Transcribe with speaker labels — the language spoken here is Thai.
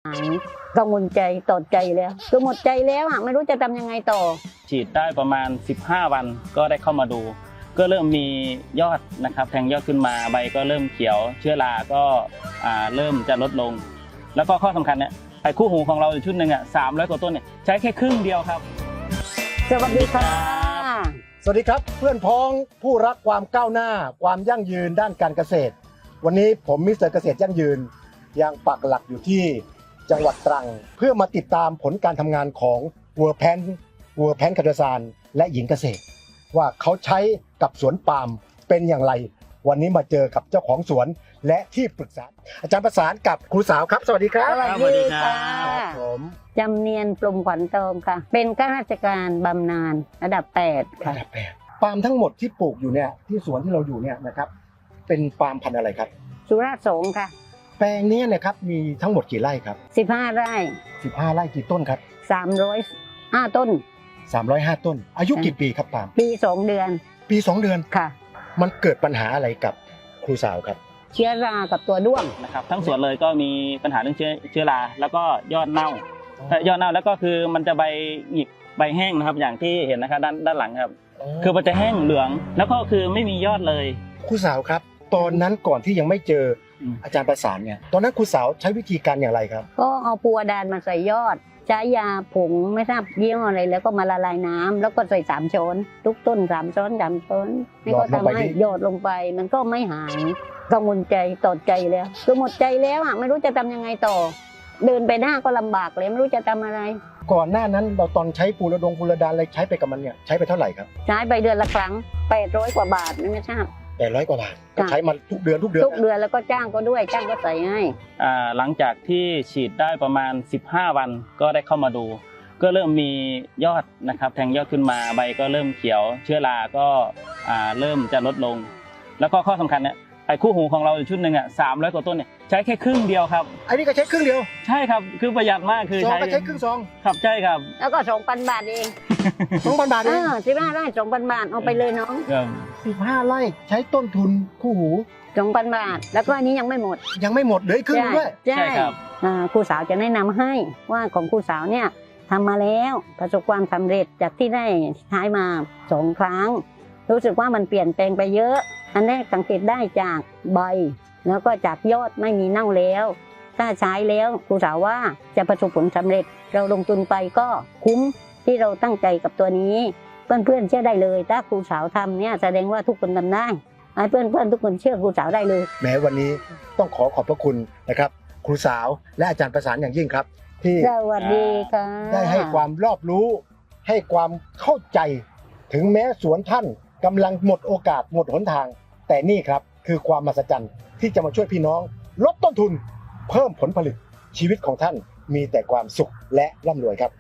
Speaker 1: กังวลใจต่อใจแล้วคือหมดใจแล้วไม่รู้จะทำยังไงต่อ
Speaker 2: ฉีดได้ประมาณ15 วันก็ได้เข้ามาดูก็เริ่มมียอดนะครับแทงยอดขึ้นมาใบก็เริ่มเขียวเชื้อราก็เริ่มจะลดลงแล้วก็ข้อสำคัญเนี่ยไอ้คู่หูของเราชุดหนึ่ง300 กว่าต้นเนี่ยใช้แค่ครึ่งเดียวครับ
Speaker 1: สวัสดีค่ะ
Speaker 3: สวัสดีครับเพื่อนพ้องผู้รักความก้าวหน้าความยั่งยืนด้านการเกษตรวันนี้ผมมิสเตอร์เกษตรยั่งยืนยังปักหลักอยู่ที่จังหวัดตรังเพื่อมาติดตามผลการทำงานของวัวแพนคาร์ดซานและหญิงเกษตรว่าเขาใช้กับสวนปาล์มเป็นอย่างไรวันนี้มาเจอกับเจ้าของสวนและที่ปรึกษาอาจารย์ประสานกับครูสาวครับสวัสดีครับ
Speaker 1: สวัสดีค่ะ
Speaker 3: ผม
Speaker 1: จำเนียนปลุ่มขวัญเติมค่ะเป็นข้าราชการบำนาญระดับ8ค่ะ
Speaker 3: ระดับ8ปาล์มทั้งหมดที่ปลูกอยู่เนี่ยที่สวนที่เราอยู่เนี่ยนะครับเป็นปาล์มพันธุ์อะไรครับ
Speaker 1: สุราษฎร์สงค่ะ
Speaker 3: แปลงนี้นะครับมีทั้งหมดกี่ไร่ครับ
Speaker 1: 15 ไร่
Speaker 3: 15 ไร่กี่ต้นครับ
Speaker 1: 305 ต้น
Speaker 3: 305 ต้นอายุกี่ปีครับปาล์ม
Speaker 1: ปี2 เดือน
Speaker 3: ปี2 เดือน
Speaker 1: ค่ะ
Speaker 3: มันเกิดปัญหาอะไรกับครูสาวครับ
Speaker 1: เชื้อรากับตัวด้วง
Speaker 2: นะครับทั้งสวนเลยก็มีปัญหาเรื่องเชื้อราแล้วก็ยอดเน่ายอดเน่าแล้วก็คือมันจะใบหงิกใบแห้งนะครับอย่างที่เห็นนะครับด้านหลังครับคือมันจะแห้งเหลืองแล้วก็คือไม่มียอดเลย
Speaker 3: ครูสาวครับตอนนั้นก่อนที่ยังไม่เจออาจารย์ประสานเนี่ยตอนนั้นครูสาวใช้วิธีการอย่างไรครับ
Speaker 1: ก็เอาปูอดานมาใส่ยอดใช้ยาผงไม่ทราบยี่ห้ออะไรแล้วก็มาละลายน้ำแล้วก็ใส่3 ช้อนทุกต้น3 ช้อน3 ช้อนนี่ก็ทำให้หยดลงไปมันก็ไม่หายกังวลใจต่อใจแล้วคือหมดใจแล้วไม่รู้จะทำยังไงต่อเดินไปหน้าก็ลำบากเลยไม่รู้จะทำอะไร
Speaker 3: ก่อนหน้านั้นเราตอนใช้ปูระดานอะไรใช้ไปกับมันเนี่ยใช้ไปเท่าไหร่ครับ
Speaker 1: ใช้ไปเดือนละครั้ง800 กว่าบาทไม่ทราบ
Speaker 3: 800 กว่าบาทใช้มันทุกเดือน
Speaker 1: แล้วก็จ้างก็ด้วยจ้างก็ใส่ให้
Speaker 2: หลังจากที่ฉีดได้ประมาณ15 วันก็ได้เข้ามาดูก็เริ่มมียอดนะครับแทงยอดขึ้นมาใบก็เริ่มเขียวเชื้อราก็เริ่มจะลดลงแล้วก็ข้อสำคัญเนี่ยไอ้คู่หูของเราชุดหนึ่ง300 กว่าต้นเนี่ยใช้แค่ครึ่งเดียวครับ
Speaker 3: อันนี้ก็ใช้ครึ่งเดียว
Speaker 2: ใช่ครับคือประหยัดมากคือ
Speaker 3: ใช้ครึ่งซอง
Speaker 2: ครับใช่ครับ
Speaker 1: แล้วก็2,000 บาทเอง
Speaker 3: 2,000 บาทเอง
Speaker 1: 15 ไร่ 2,000 บาทเอาไปเลยน้อง
Speaker 3: 15 ไร่ใช้ต้นทุนคู่หู
Speaker 1: 2,000 บาทแล้วก็อันนี้ยังไม่หมด
Speaker 3: เหลือครึ่งด้วย
Speaker 1: ใช่ครับครูสาวจะแนะนำให้ว่าของครูสาวเนี่ยทำมาแล้วประสบความสำเร็จจากที่ได้ใช้มา2 ครั้งรู้สึกว่ามันเปลี่ยนแปลงไปเยอะอันแรกสังเกตได้จากใบแล้วก็จากยอดไม่มีเน่าแล้วถ้าใช้แล้วครูสาวว่าจะประสบผลสำเร็จเราลงทุนไปก็คุ้มที่เราตั้งใจกับตัวนี้เพื่อนๆเชื่อได้เลยถ้าครูสาวทำเนี่ยแสดงว่าทุกคนทำได้ให้เพื่อนๆทุกคนเชื่อครูสาวได้เลย
Speaker 3: แม้วันนี้ต้องขอบพระคุณนะครับครูสาวและอาจารย์ประสานอย่างยิ่งครับที่
Speaker 1: สวัสดีค่ะ
Speaker 3: ได้ให้ความรอบรู้ให้ความเข้าใจถึงแม้สวนท่านกำลังหมดโอกาสหมดหนทางแต่นี่ครับคือความมหัศจรรย์ที่จะมาช่วยพี่น้องลดต้นทุนเพิ่มผลผลิตชีวิตของท่านมีแต่ความสุขและร่ำรวยครับ